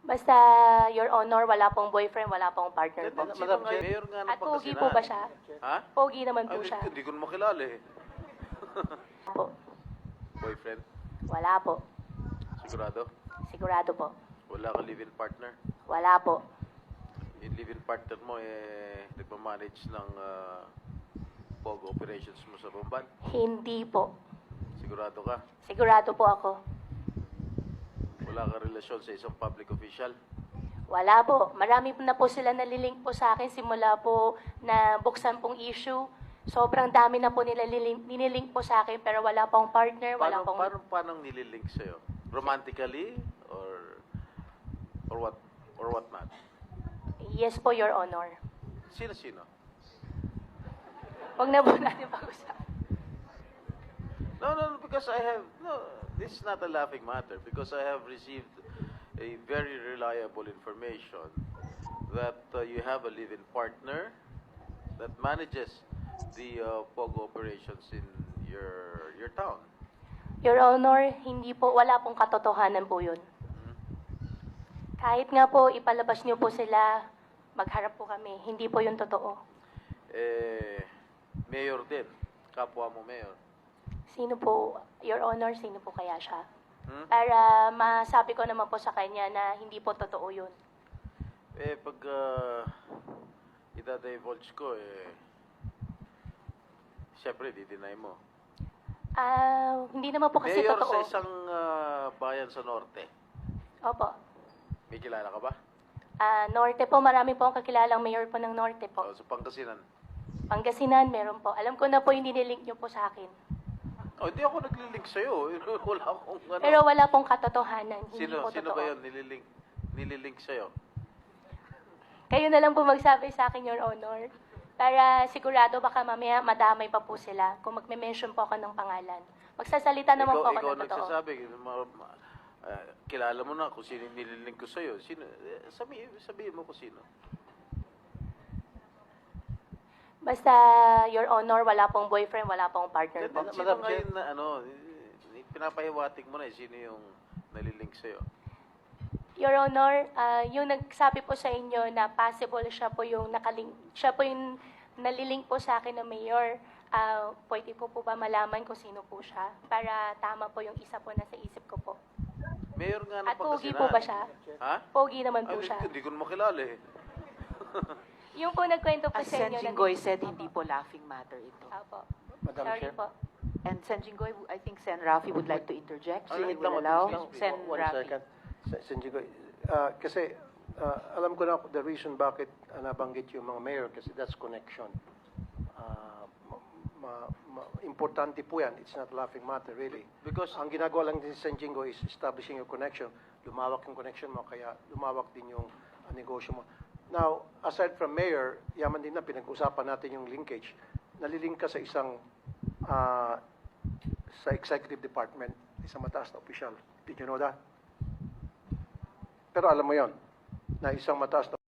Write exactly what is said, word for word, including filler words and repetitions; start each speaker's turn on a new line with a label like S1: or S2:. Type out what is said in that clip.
S1: Basta, Your Honor, wala pong boyfriend, wala pong partner po.
S2: Madam, Madam Chair, Mayor nga ng
S1: At pogi
S2: Pangasinan.
S1: po ba siya?
S2: Ha?
S1: Pogi naman po
S2: Ay,
S1: siya.
S2: Hindi ko na makilala eh.
S1: Po.
S2: Boyfriend?
S1: Wala po.
S2: Sigurado?
S1: Sigurado po.
S2: Wala ka live-in partner?
S1: Wala po.
S2: Yung live-in partner mo eh, nagmamanage ng uh, P O G operations mo sa Bamban?
S1: Hindi po.
S2: Sigurado ka?
S1: Sigurado po ako.
S2: Wala ka relasyon sa isang public official?
S1: Wala po. Marami na po sila nalilink po sa akin simula po na buksan pong issue. Sobrang dami na po nila nililink, nililink po sa akin pero wala pong partner, wala
S2: Paano,
S1: pong...
S2: paano, paano nililink sa'yo? Romantically? Or, or what? Or what not?
S1: Yes po, Your Honor.
S2: Sino-sino?
S1: Huwag na po natin pag-usapan.
S2: No, no, no, because I have, no, this is not a laughing matter because I have received a very reliable information that uh, you have a live-in partner that manages the uh, P O G operations in your your town.
S1: Your Honor, hindi po, wala pong katotohanan po yun. Kahit nga po ipalabas niyo po sila, magharap po kami. Hindi po yun totoo.
S2: Eh, mayor din, kapwa mo mayor.
S1: Sino po, Your Honor, sino po kaya siya?
S2: Hmm?
S1: Para masabi ko naman po sa kanya na hindi po totoo yun.
S2: Eh, pag uh, ita-divulge ko, eh, siyempre, di-deny mo.
S1: Ah, hindi naman po kasi
S2: Mayor
S1: totoo.
S2: sa isang uh, bayan sa norte.
S1: Opo.
S2: May kilala ka ba?
S1: Ah, Norte po, marami po ang kakilalang mayor po ng Norte po.
S2: O, sa Pangasinan.
S1: Pangasinan, meron po. Alam ko na po yung nililink niyo po sa akin.
S2: Oh, hindi ako naglilink sa'yo. Wala akong ano.
S1: Pero wala pong katotohanan. Hindi
S2: sino,
S1: po
S2: sino
S1: totoo.
S2: ba yun nililink, nililink sa'yo?
S1: Kayo na lang po magsabi sa akin, Your Honor. Para sigurado baka mamaya madamay pa po sila kung magme-mention po ako ng pangalan. Magsasalita naman
S2: ikaw,
S1: po ako
S2: ikaw
S1: ng totoo.
S2: nagsasabi, ma, ma, uh, kilala mo na kung sino yung nililink ko sa'yo. Sino, eh, sabi, sabihin mo kung sino.
S1: Basta, Your Honor, wala pong boyfriend, wala pong partner po.
S2: Then, sino ngayon na ano, eh, pinapahiwatig mo na eh, sino yung nalilink sa'yo?
S1: Your Honor, ah, yung nagsabi po sa inyo na possible siya po yung nakalink, siya po yung nalilink po sa akin na mayor. Ah, pwede po po ba malaman kung sino po siya? Para tama po yung isa po na sa isip ko po.
S2: Mayor nga ng
S1: At pogi
S2: Pangasinan.
S1: po ba siya?
S2: Ha?
S1: Pogi naman
S2: Ay,
S1: po siya.
S2: Hindi ko na makilala eh.
S1: Yung po nagkwento po
S3: As
S1: sa
S3: Sen
S1: inyo.
S3: Jinggoy
S1: na-
S3: said, hindi po laughing matter ito.
S1: Opo.
S4: Madam
S1: Sorry
S4: Chair.
S1: po.
S3: And Sen Jinggoy, I think Sen Rafi would like to interject. So we
S4: Singit
S3: will
S4: lang,
S3: allow
S4: please, please.
S3: Sen
S4: One
S3: Rafi.
S4: second. Sen- Sen Jigoy. Ah, kasi ah, alam ko na the reason bakit ah, nabanggit yung mga mayor kasi that's connection. Ah, ma- ma- ma- importante po yan. It's not laughing matter really.
S2: Because,
S4: Ang ginagawa lang din si Sen Jingo is establishing your connection. Lumawak yung connection mo, kaya lumawak din yung ah, negosyo mo. Now, aside from mayor, yaman din na pinag-usapan natin yung linkage. Nalilink ka sa isang ah, sa executive department, isang mataas na opisyal. Did you know that? Pero alam mo yon na isang mataas na